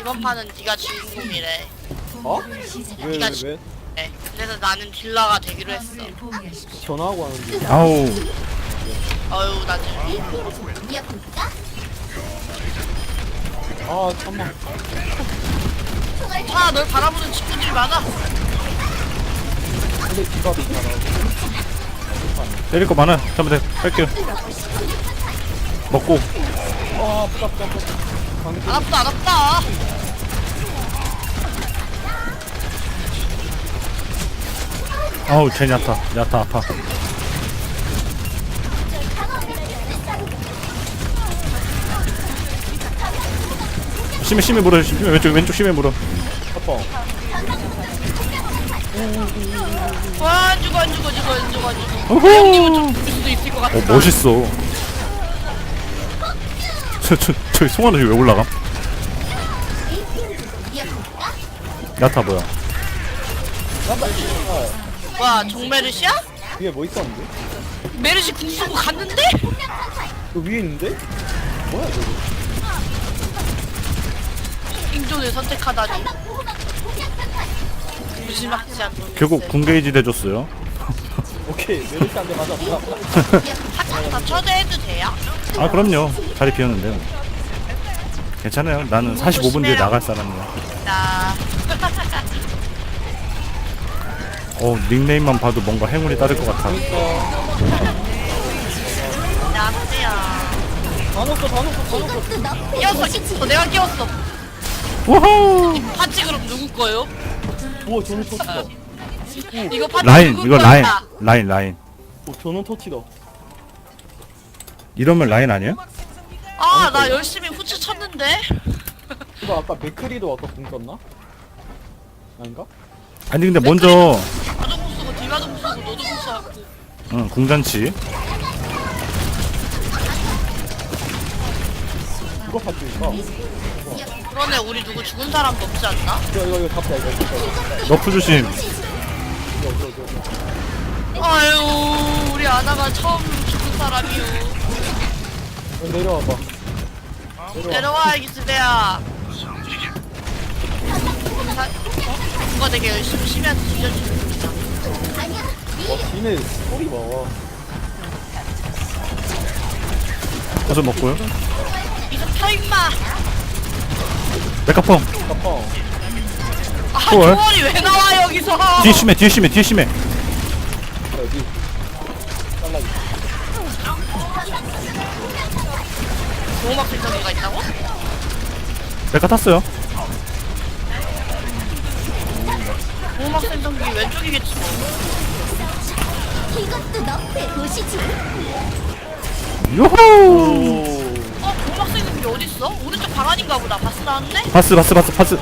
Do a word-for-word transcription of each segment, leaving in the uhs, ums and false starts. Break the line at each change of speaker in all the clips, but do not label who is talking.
이번 판은 네가 주인공이래.
어? 왜, 왜,
네가
왜?
네. 그래서 나는 딜러가 되기로 했어.
전화하고 하는데.
아우
어휴 나중에.
아, 잠만.
아, 널 바라보는 친구들이 많아.
근데 기밥이 잘하고.
때릴 거 많아. 잠깐만 뺄게요. 먹고.
아, 아프다, 아프다, 아프다. 방금
안 아프다, 안 아프다.
아우 쟤 야타 야타 아파. 심해 심해 물어. 심해 왼쪽 왼쪽 심해 물어.
아파.
와, 안 죽어, 안 죽어, 죽어, 안 죽어, 안 죽어.
어후.
형님은 좀 죽을 수도 있을 것 같아.
어 멋있어. 저 저 저기 송환아 왜 올라감? 야타 뭐야?
와, 종메르시야?
위에 뭐 있었는데?
메르시 궁 쓰고 갔는데?
그 위에 있는데? 뭐야, 저거?
생존을 선택하다니. 무지막지 않는.
결국 군게이지 대줬어요.
오케이, 메르시한테 맞았다.
한참 다 초대해도 돼요?
아 그럼요. 자리 비었는데요. 괜찮아요. 나는 사십오 분 뒤에 나갈 사람이야.
나.
어 닉네임만 봐도 뭔가 행운이 따를 것 같아.
나쁘야.
다 넣었어, 다 넣었어, 다 넣었어.
끼웠어, 어, 내가 끼웠어.
우후.
파츠 그럼 누구 거요?
우와, 저는 터치다.
이거 파츠
라인
누구
이거
거야?
라인 라인 라인.
오, 저는 터치다.
이러면 라인 아니야?
아, 나 열심히 후추 쳤는데.
이거 아까 맥크리도 아까 공 썼나? 아닌가?
아니 근데 먼저
나도 못 쓰고 딜마도 못 쓰고 너도 못 쓰고.
응, 궁잔치.
이거 파츠인가?
그러네, 우리 누구 죽은 사람도 없지 않나?
이거, 이거, 이거 잡자, 이거. 이거,
너프 조심.
이거, 이거, 이거, 이거.
아유, 우리 아나가 처음 죽은 사람이요.
이거 내려와봐. 내려와.
내려와, 기스배야. 누가 되게 열심히 쉬면서 죽여주는구나.
와, 뒤에 소리 봐.
어서 먹고요.
이거 펴, 임마.
메카펑.
아파.
아,
헐.
조언이 왜 나와, 여기서.
뒤에 심해 뒤에 심해 뒤에 심해.
여기. 잘라기.
보호막 필터기가 있다고?
메카 탔어요.
보호막 필터기 왼쪽이겠지 뭐.
이것도 너프에 보시지.
요호.
오.
어, 보호막 필터기 어딨어? 오른쪽 방 안인가 보다. 바스 나왔네?
파스 파스 파스 파스.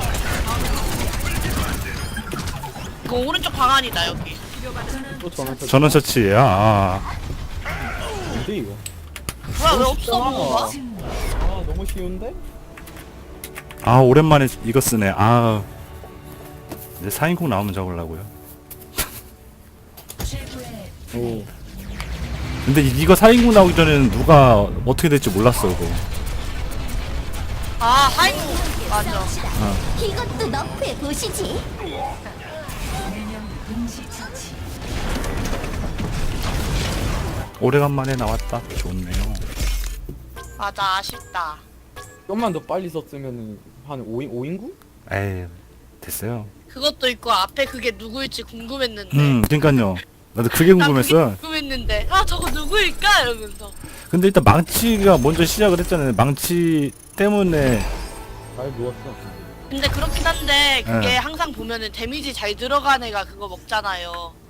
이거 오른쪽 방 안이다, 여기.
또 저는 터치.
전원 처치야. 아.
뭔데, 이거?
뭐야, 왜 없어, 뭐가?
아, 너무 쉬운데?
아 오랜만에 이거 쓰네. 아. 이제 사 인국 나오면 적으려고요.
오.
근데 이- 이거 사 인국 나오기 전에는 누가 어떻게 될지 몰랐어 이거.
아, 하이구. 맞아.
이것도 너프에 보시지.
오래간만에 나왔다. 좋네요.
맞아, 아쉽다.
좀만 더 빨리 썼으면은 한 오 인, 오 인구?
에이 됐어요.
그것도 있고 앞에 그게 누구일지 궁금했는데.
음 그니까요. 나도 그게
난
궁금했어.
그게 궁금했는데. 아, 저거 누구일까? 이러면서.
근데 일단 망치가 먼저 시작을 했잖아요. 망치 때문에.
잘 누웠어.
근데 그렇긴 한데 그게
네.
항상 보면은 데미지 잘 들어간 애가 그거 먹잖아요.